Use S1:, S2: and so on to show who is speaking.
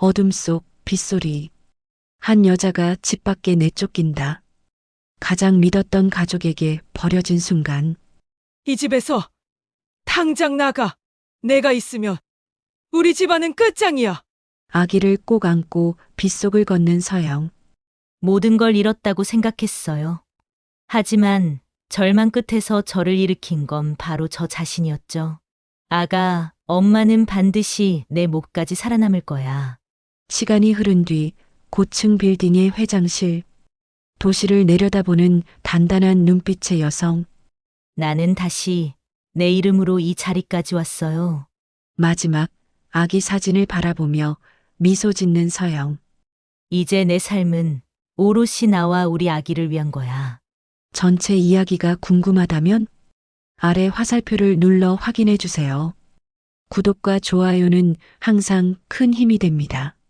S1: 어둠 속 빗소리. 한 여자가 집 밖에 내쫓긴다. 가장 믿었던 가족에게 버려진 순간.
S2: 이 집에서 당장 나가. 내가 있으면 우리 집안은 끝장이야.
S1: 아기를 꼭 안고 빗속을 걷는 서영.
S3: 모든 걸 잃었다고 생각했어요. 하지만 절망 끝에서 저를 일으킨 건 바로 저 자신이었죠. 아가, 엄마는 반드시 내 목까지 살아남을 거야.
S1: 시간이 흐른 뒤 고층 빌딩의 회장실. 도시를 내려다보는 단단한 눈빛의 여성.
S3: 나는 다시 내 이름으로 이 자리까지 왔어요.
S1: 마지막 아기 사진을 바라보며 미소 짓는 서영.
S3: 이제 내 삶은 오롯이 나와 우리 아기를 위한 거야.
S1: 전체 이야기가 궁금하다면 아래 화살표를 눌러 확인해 주세요. 구독과 좋아요는 항상 큰 힘이 됩니다.